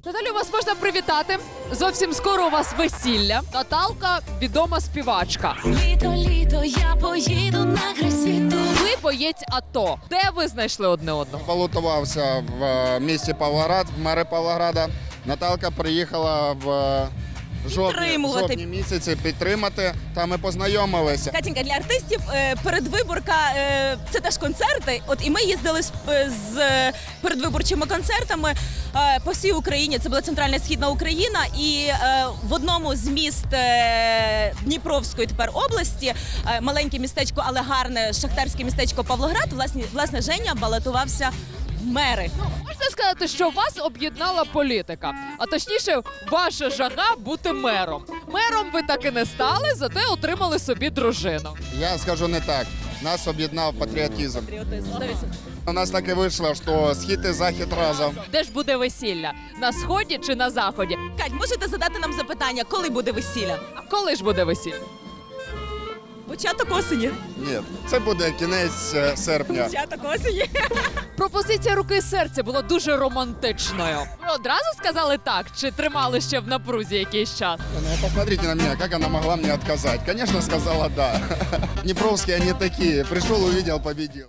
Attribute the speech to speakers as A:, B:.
A: Наталю, вас можна привітати. Зовсім скоро у вас весілля. Наталка відома співачка.
B: Літо, літо, я поїду на край світу.
A: Ви боєць АТО. Де ви знайшли одне одного?
C: Балотувався в місті Павлоград, в мери Павлограда. Наталка приїхала в жовтні місяці підтримати, та ми познайомилися.
D: Катінька, для артистів передвиборка це теж концерти. От і ми їздили з передвиборчими концертами по всій Україні. Це була центральна і східна Україна. І в одному з міст Дніпровської тепер області, маленьке містечко, але гарне шахтарське містечко Павлоград, власне Женя балотувався в мери.
A: Можна сказати, що вас об'єднала політика, а точніше, ваша жага бути мером. Мером ви так і не стали, зате отримали собі дружину.
C: Я скажу не так. Нас об'єднав патріотизм.
D: Патріотизм.
C: У нас так і вийшло, що схід і захід разом.
A: Де ж буде весілля? На сході чи на заході?
D: Кать, можете задати нам запитання, коли буде весілля?
A: А коли ж буде весілля?
D: Початок осені.
C: Ні, це буде кінець серпня.
D: Початок осені.
A: Пропозиція руки і серця була дуже романтичною. Ви одразу сказали так, чи тримали ще в напрузі якийсь час?
C: Ну, посмотрите на меня, как она могла мне отказать. Конечно, сказала да. Днепровские они такие. Пришел, увидел, победил.